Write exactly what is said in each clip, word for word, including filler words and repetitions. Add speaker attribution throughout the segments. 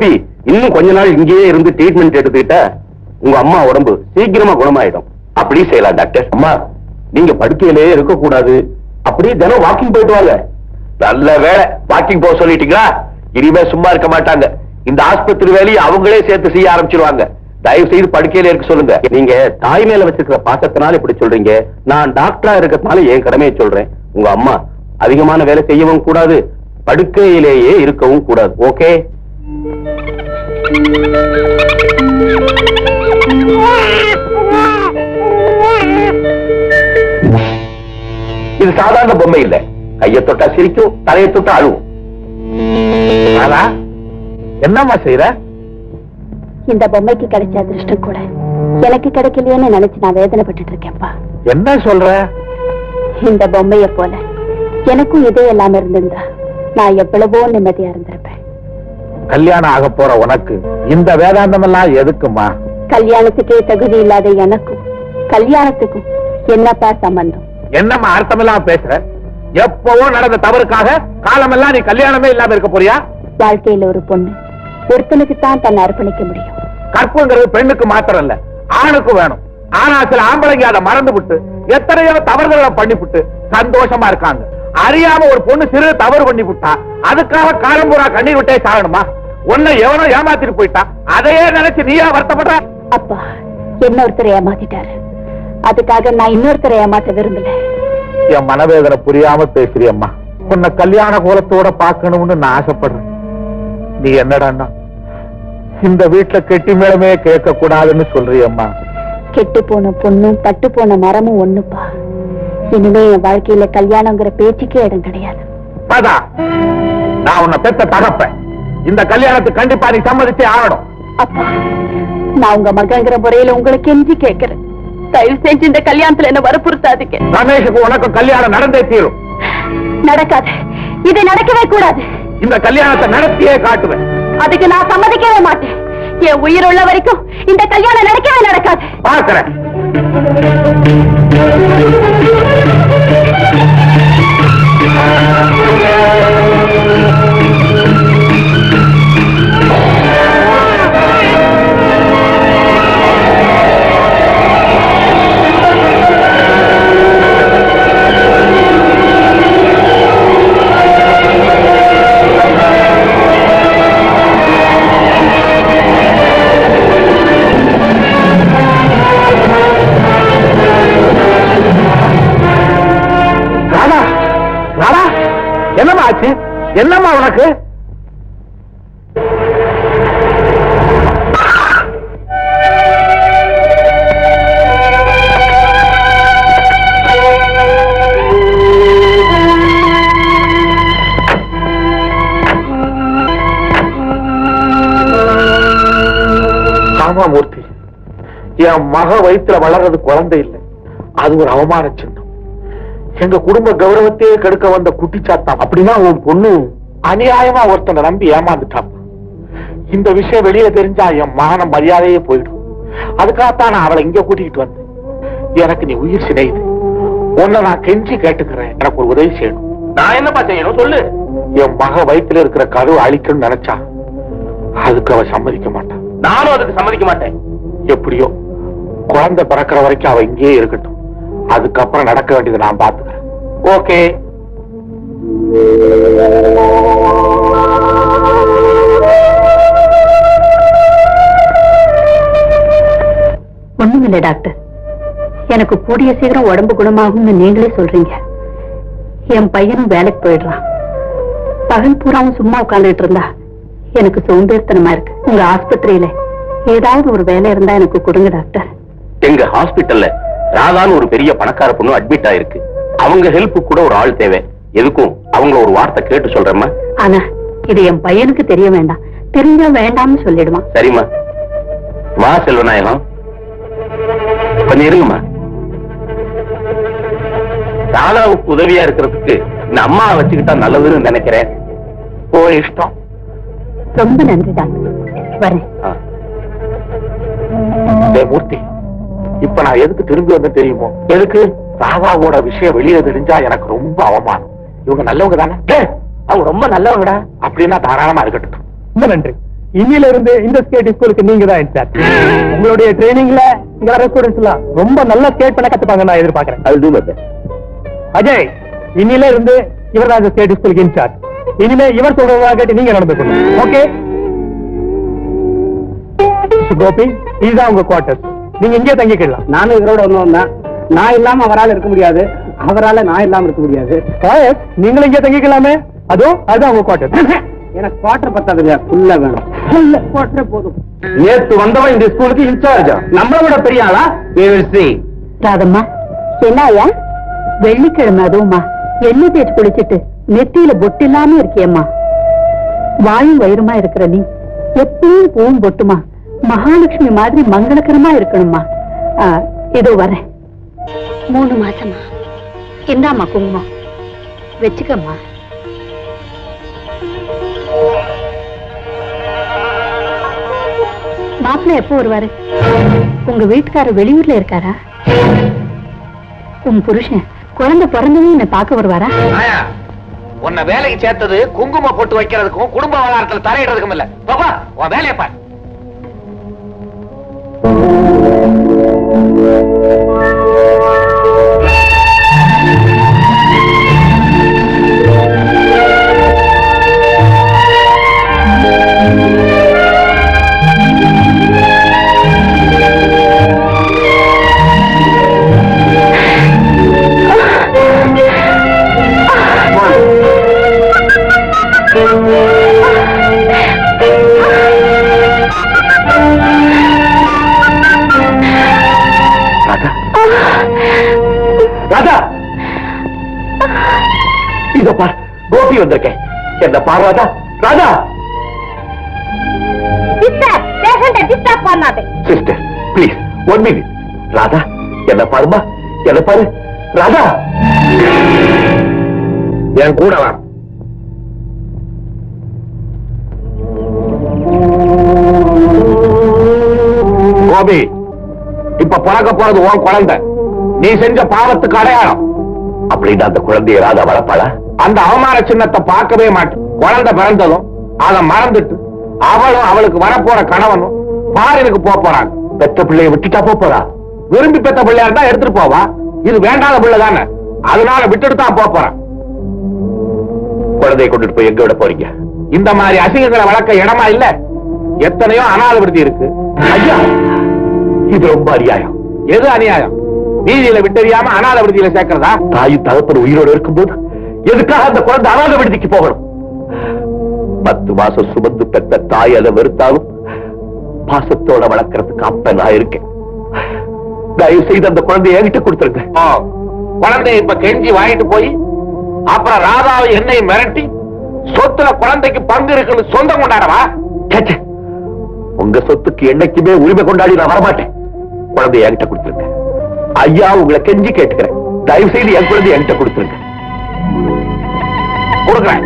Speaker 1: கோபி, இன்னும் கொஞ்ச நாள் இங்கேயே இருந்து ட்ரீட்மெண்ட் எடுத்துக்கிட்டா உங்க அம்மா உடம்பு சீக்கிரமா குணமாயிடும். அப்படி செய்யலாம் டாக்டர். அம்மா, நீங்க படுக்கையிலே இருக்க கூடாது, அப்படியே தினம் வாக்கிங் போயிட்டு வாங்க. நல்ல வேலை, வாக்கிங் போக சொல்லிட்டீங்களா? இனிமே சும்மா இருக்க மாட்டாங்க. இந்த ஆஸ்பத்திரி வேலையை அவங்களே சேர்த்து செய்ய ஆரம்பிச்சிருவாங்க. தயவு செய்து படுக்கையில இருக்க சொல்லுங்க. நீங்க தாய் மேல வச்சிருக்கிற பாசத்தினால இப்படி சொல்றீங்க. நான் டாக்டரா இருக்கிறதுனால என் கடமையை சொல்றேன். உங்க அம்மா அதிகமான வேலை செய்யவும் கூடாது, படுக்கையிலேயே இருக்கவும் கூடாது. ஓகே? இது சாதாரண பொம்மை இல்ல. கையை தொட்டா சிரிக்கும், தலையை தொட்டா அழுவும். என்னம்மா செய்யற?
Speaker 2: இந்த பொம்மைக்கு கிடைச்ச அதிர்ஷ்டம் கூட எனக்கு கிடைக்கலையேன்னு நினைச்சு நான் வேதனைப்பட்டு இருக்கேன்ப்பா.
Speaker 1: என்ன சொல்ற?
Speaker 2: இந்த பொம்மைய போல எனக்கும் இதே எல்லாம் இருந்திருந்தா நான் எவ்வளவோ நிம்மதியா இருந்திருப்பேன்.
Speaker 1: கல்யாணம் ஆக போற உனக்கு இந்த வேதாந்தம் எல்லாம் எதுக்குமா?
Speaker 2: கல்யாணத்துக்கே தகுதி இல்லாத எனக்கும் கல்யாணத்துக்கும் என்னப்பா சம்பந்தம்?
Speaker 1: என்னம்மா அர்த்தமெல்லாம் பேசுற? எப்பவோ நடந்த தவறுக்காக காலமெல்லாம் நீ கல்யாணமே இல்லாம இருக்க போறியா?
Speaker 2: வாழ்க்கையில ஒரு பொண்ணு ஒருத்தனுக்கு தான் தன்னை அர்ப்பணிக்க முடியும்.
Speaker 1: கற்புங்கிறது பெண்ணுக்கு மாத்திரம் இல்ல, ஆணுக்கும் வேணும். ஆனா சில ஆம்பளைங்க அதை மறந்து விட்டு எத்தனையோ தவறுகளை பண்ணிவிட்டு சந்தோஷமா இருக்காங்க. அறியாம ஒரு பொண்ணு சிறு தவறு பண்ணி விட்டா அதுக்காக காலம் பூரா கண்ணீர் விட்டே சாகணுமா? உன்னை எவனோ ஏமாத்திட்டு போயிட்டா அதையே நினைச்சு நீயா வருத்தப்படுற?
Speaker 2: அப்பா என்ன ஒருத்தரை ஏமாத்திட்டாரு, அதுக்காக நான் இன்னொருத்தரை ஏமாத்த விரும்பல.
Speaker 1: என் மனவேதனை புரியாம பேசுறியம்மா. உன்னை கல்யாண கோலத்தோட பாக்கணும்னு நான் ஆசைப்படுறேன். நீ என்னடான்னா இந்த வீட்டுல கெட்டி மேளமே கேட்க கூடாதுன்னு சொல்றியம்மா.
Speaker 2: கெட்டு போன பொண்ணும் பட்டு போன மரமும் ஒண்ணுப்பா. இனிமே என் வாழ்க்கையில கல்யாணங்கிற பேச்சுக்கே இடம் கிடையாது.
Speaker 1: நான் உன்னை பெத்த தகப்பேன். இந்த கல்யாணத்துக்கு கண்டிப்பா நீ சம்மதிச்சே ஆகணும்.
Speaker 2: அப்பா, நான் உங்க மகங்கிற முறையில உங்களுக்கு கெஞ்சி கேட்கிறேன். தயவு செஞ்சு இந்த கல்யாணத்துல என்ன வற்புறுத்தாதீங்க.
Speaker 1: ரமேஷுக்கு உனக்கு கல்யாணம் நடந்தே தீரும்.
Speaker 2: நடக்காது, இது நடக்கவே கூடாது.
Speaker 1: இந்த கல்யாணத்தை நடத்தியே காட்டுவேன்.
Speaker 2: அதுக்கு நான் சம்மதிக்கவே மாட்டேன். என் உயிர் உள்ள வரைக்கும் இந்த கல்யாணம் நடக்கவே நடக்காது.
Speaker 1: பார்க்கிறேன். என்னம்மா ஆச்சு? என்னம்மா உனக்கு? காமாமூர்த்தி, என் மக வயிற்றுல வளர்றது குழந்தை இல்லை, அது ஒரு அவமான சின்னம். எங்க குடும்ப கௌரவத்தையே கெடுக்க வந்த குட்டிச்சாத்தான். அப்படின்னா உன் பொண்ணு அநியாயமா ஒருத்தனை நம்பி ஏமாந்துட்டான். இந்த விஷயம் வெளியே தெரிஞ்சா என் மான மரியாதையே போயிடும். அதுக்காகத்தான் நான் அவளை இங்க கூட்டிக்கிட்டு வந்தேன். எனக்கு நீ உயிர் சினையுது. உன்னை நான் கெஞ்சி கேட்டுக்கிறேன், எனக்கு ஒரு உதவி செய்யணும். நான் என்னப்பா செய்யணும் சொல்லு. என் மக வயிற்றுல இருக்கிற கருவை அழிக்கணும்னு நினைச்சா அதுக்கு அவ சம்மதிக்க மாட்டான். நானும் அதுக்கு சம்மதிக்க மாட்டேன். எப்படியோ குழந்தை பிறக்கிற வரைக்கும் அவ இங்கேயே இருக்கட்டும். அதுக்கப்புறம் நடக்க வேண்டியதை நான் பார்த்துக்கிறேன். ஓகே?
Speaker 2: ஒண்ணுமில்லை டாக்டர், எனக்கு கூடிய சீக்கிரம் உடம்பு குணமாகும்னு நீங்களே சொல்றீங்க. என் பையனும் வேலைக்கு போயிடுறான். பகல் பூராவும் சும்மா உட்கார்ந்துட்டு இருந்தா எனக்கு சோம்பேறித்தனமா இருக்கு. உங்க ஆஸ்பத்திரியில ஏதாவது ஒரு வேலை இருந்தா எனக்கு கொடுங்க டாக்டர்.
Speaker 1: எங்க ஹாஸ்பிட்டல்ல ராதான்னு ஒரு பெரிய பணக்கார பொண்ணு அட்மிட் ஆயிருக்கு. அவங்க ஹெல்ப் கூட ஒரு ஆள் தேவை. எதுக்கும் அவங்க ஒரு வார்த்தை கேட்டு சொல்றேம்மா.
Speaker 2: ஆனா இது என் பையனுக்கு தெரிய வேண்டாம். தெரிஞ்சா வேண்டாம்னு சொல்லிடுவான்.
Speaker 1: சரிம்மா, வா செல்வநாயகம், கொஞ்சம் இருங்கம்மா. ராதாவுக்கு உதவியா இருக்கிறதுக்கு இந்த அம்மா வச்சுக்கிட்டா நல்லதுன்னு நினைக்கிறேன். ஓ இஷ்டம்.
Speaker 2: ரொம்ப நன்றி டாக்டர், வரேன்.
Speaker 1: மூர்த்தி, இப்ப நான் எதுக்கு திரும்பி வந்து தெரியுமோ? எதுக்கு? ராதாவோட விஷயம் வெளியே தெரிஞ்சா எனக்கு ரொம்ப அவமானம். இவங்க நல்லவங்க தானே? அவங்க ரொம்ப நல்லவங்கடா. அப்படின்னா தாராளமா இருக்கட்டும். ரொம்ப நன்றி.
Speaker 3: இன்னில இருந்து இந்த ஸ்கேட் ஸ்கூலுக்கு நீங்க தான் இன்சார்ஜ். உங்களுடைய ட்ரைனிங்ல இங்க வர ஸ்டூடெண்ட்ஸ் எல்லாம் ரொம்ப நல்லா ஸ்கேட் பண்ண கத்துப்பாங்க நான் எதிர்பார்க்கிறேன். அஜய், இன்னில இருந்து இவர் தான் இந்த ஸ்கேட் ஸ்கூலுக்கு இன்சார்ஜ். இனிமே இவர் சொல்றதா கேட்டு நீங்க நடந்துக்கணும். ஓகே கோபி, இதுதான் உங்க குவார்டர்ஸ். நீங்க இங்கே தங்கிக்கலாம்.
Speaker 4: நானும் இவரோட ஒண்ணு தான். நான் இல்லாம அவரால் இருக்க முடியாது, அவரால நான் இல்லாம இருக்க முடியாது.
Speaker 3: நீங்களும் இங்கே தங்கிக்கலாமே. அதோ அதுதான் உங்க குவார்டர்ஸ்.
Speaker 4: எனக்கு குவார்டர் பத்தாதுங்க, ஃபுல்லா வேணும். ஃபுல்லா குவார்டர் போதும்.
Speaker 1: நேத்து வந்தவன் இந்த ஸ்கூலுக்கு இன்சார்ஜா?
Speaker 4: நம்மள விட பெரிய ஆளா?
Speaker 2: ராதம்மா, என்னையா வெள்ளிக்கிழமை அதுவுமா எண்ணெய் தேய்ச்சி குளிச்சிட்டு நெத்தியில பொட்டு இல்லாம இருக்கியம்மா. வாயும் வயிறுமா இருக்கிற நீ எப்பவும் பூவும் பொட்டுமா மகாலட்சுமி மாதிரி மங்களகரமா இருக்கணுமா. இதோ வரேன். மூணு மாசமா இந்தாம்மா குங்குமம் வச்சுக்கம்மா. மாப்பிள்ளை எப்போ வருவாரு? உங்க வீட்டுக்காரர் வெளியூர்ல இருக்காரா? உன் புருஷன் குழந்தை பிறந்ததும் என்ன பார்க்க வருவாரா?
Speaker 1: உன்னை வேலைக்கு சேர்த்தது குங்குமம் போட்டு வைக்கிறதுக்கும் குடும்ப விவகாரத்தில் தலையிடுறதுக்கும் இல்ல. பாப்பா, உன் வேலையை பாரு. கோபி வந்திருக்கேன். என்ன பாரு Radha. Radha sister please one minute. Radha என்ன பாருமா, என்ன பாரு. ராதா என் கூட வா. கோபி, இப்ப பிறக்க போறது உன் குழந்தை. நீ செஞ்ச பாவத்துக்கு அடையாளம். அப்படின்னு அந்த குழந்தைய ராதா வளர்ப்பாளா? அந்த அவமான சின்னத்தை பார்க்கவே மாட்டேன். குழந்தை பிறந்ததும் அதை மறந்துட்டு அவளும் அவளுக்கு வரப்போற கணவனும் பாரினுக்கு போக போறாங்க. பெத்த பிள்ளைய விட்டுட்டா போறா? விரும்பி பெத்த பிள்ளையா இருந்தா எடுத்துட்டு போவா. இது வேண்டாத பிள்ளை தானே, அதனால விட்டுட்டு தான் போறான். குழந்தைய கொண்டுட்டு போய் எங்க விட போறீங்க? இந்த மாதிரி அசிங்கங்களை வளர்க்க இடமா இல்ல. எத்தனையோ அனாதை விடுதி இருக்கு. ஐயா, இது ரொம்ப அநியாயம். எது அநியாயம்? நீதியில விட்டறியாம அனாதை விடுதியில சேர்க்கிறதா? தாயும் தகப்பன் உயிரோடு இருக்கும்போது எதுக்காக அந்த குழந்தை அனாதை விடுதிக்கு போகணும்? பத்து மாசம் சுமந்து பெற்ற தாய் அதை வெறுத்தாலும் பாசத்தோட வளர்க்கறதுக்கு அப்ப நான் இருக்கேன். தயவு செய்து அந்த குழந்தைய என்கிட்ட கொடுத்துருங்க. குழந்தைய இப்ப கெஞ்சி வாங்கிட்டு போய் அப்புறம் ராதாவை என்னை மிரட்டி சொத்துல குழந்தைக்கு பங்கு இருக்குன்னு சொந்தம் கொண்டாடவா? உங்க சொத்துக்கு என்னைக்குமே உரிமை கொண்டாடி நான் வரமாட்டேன். குழந்தைய என்கிட்ட கொடுத்துருங்க. ஐயா, உங்களை கெஞ்சி கேட்டுக்கிறேன். தயவு செய்து என் குழந்தைய என்கிட்ட கொடுத்துருங்க. கொடுக்கிறேன்.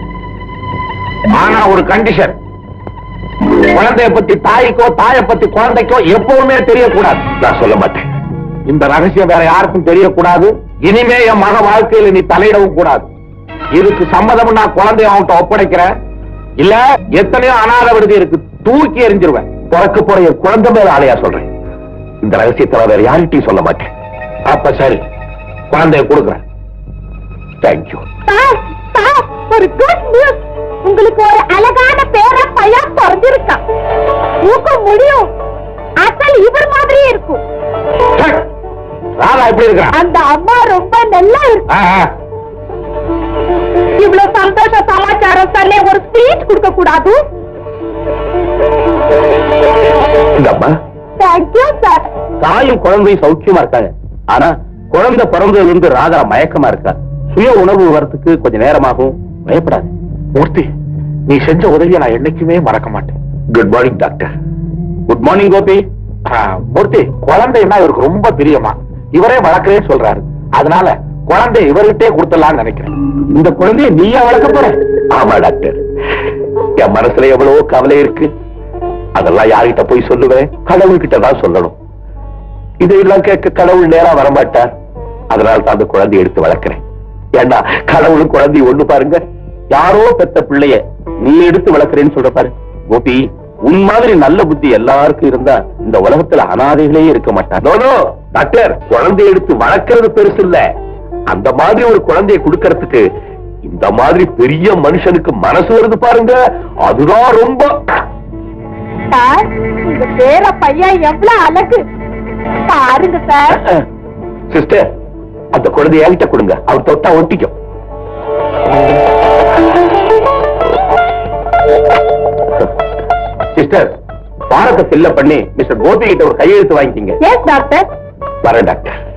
Speaker 1: ஆனா ஒரு கண்டிஷன். குழந்தைய பத்தி தாய்க்கோ தாயை பத்தி குழந்தைக்கோ எப்பவுமே தெரியக்கூடாது. நான் சொல்ல மாட்டேன். இந்த ரகசியம் வேற யாருக்கும் தெரியக்கூடாது. இனிமே என் மக வாழ்க்கையில நீ தலையிடவும் கூடாது. இதுக்கு சம்மதம் நான் குழந்தைய அவன்கிட்ட ஒப்படைக்கிறேன். இல்ல எத்தனையோ அனாதை விடுதி இருக்கு, தூக்கி எறிஞ்சிருவேன். பிறக்க போற என் குழந்தை மேல ஆலையா சொல்றேன். இந்த ரகசியத்தை வேற யார்கிட்டையும் சொல்ல மாட்டேன். அப்ப சரி, குழந்தைய கொடுக்கிறேன். தேங்க்யூ.
Speaker 2: ஒரு குட் நியூஸ். உங்களுக்கு ஒரு அழகான பேர பையன் பிறந்திருக்கான். ஊக்க முடியும். அசல் இவர் மாதிரியே இருக்கும்.
Speaker 1: ராதா எப்படி இருக்கா?
Speaker 2: அந்த அம்மா ரொம்ப நல்லா இருக்கு. இவ்வளவு சந்தோஷ சமாச்சாரம் சொன்ன ஒரு ஸ்பீச் கொடுக்க கூடாது? Thank you sir.
Speaker 1: தாயும் குழந்தையும் சௌக்கியமா இருக்காங்க. ஆனா குழந்தை பிறந்ததுல இருந்து ராதா மயக்கமா இருக்கா. சுய உணர்வு வரத்துக்கு கொஞ்சம் நேரமாகும். பயப்படாது. மூர்த்தி, நீ செஞ்ச உதவியை நான் என்னைக்குமே மறக்க மாட்டேன். Good morning doctor. Good morning Gopi. Murthy, குழந்தைன்னா இவருக்கு ரொம்ப பிரியமா. இவரே வளர்க்கிறேன்னு சொல்றாரு. அதனால குழந்தை இவர்கிட்டே கொடுத்துடலாம்னு நினைக்கிறேன். இந்த குழந்தைய நீயா வளர்க்க போற? ஆமா டாக்டர். என் மனசுல எவ்வளவோ கவலை இருக்கு. அதெல்லாம் யார்கிட்ட போய் சொல்லுவேன்? கடவுள்கிட்ட தான் சொல்லணும். இதையெல்லாம் கேட்க கடவுள் நேரா வரமாட்டார். அதனால தான் அந்த குழந்தைய எடுத்து வளர்க்கிறேன். ஏன்னா கடவுளும் குழந்தைய ஒண்ணு பாருங்க. யாரோ பெத்த பிள்ளைய நீ எடுத்து வளர்க்கிறேன்னு சொல்ற பாரு. கோபி, உன் மாதிரி நல்ல புத்தி எல்லாருக்கும் இருந்தா இந்த உலகத்துல அனாதைகளே இருக்க மாட்டாங்க. டாக்டர், குழந்தைய எடுத்து வளர்க்கறது பெருசு இல்ல, அந்த மாதிரி ஒரு குழந்தைய கொடுக்கறதுக்கு இந்த மாதிரி பெரிய மனுஷனுக்கு மனசு வருது பாருங்க, அதுதான் ரொம்ப.
Speaker 2: சார், உங்க பேர பையன் எவ்வளவு அழகு பாருங்க சார்.
Speaker 1: சிஸ்டர், அந்த குழந்தைய என்கிட்ட கொடுங்க, அவர் தொட்டா ஒட்டிக்கும். சிஸ்டர், பாரத்தை ஃபில்ல பண்ணி மிஸ்டர் கோபி கிட்ட ஒரு கையெழுத்து வாங்கிக்கிங்க.
Speaker 2: Yes doctor.
Speaker 1: வரேன் டாக்டர்.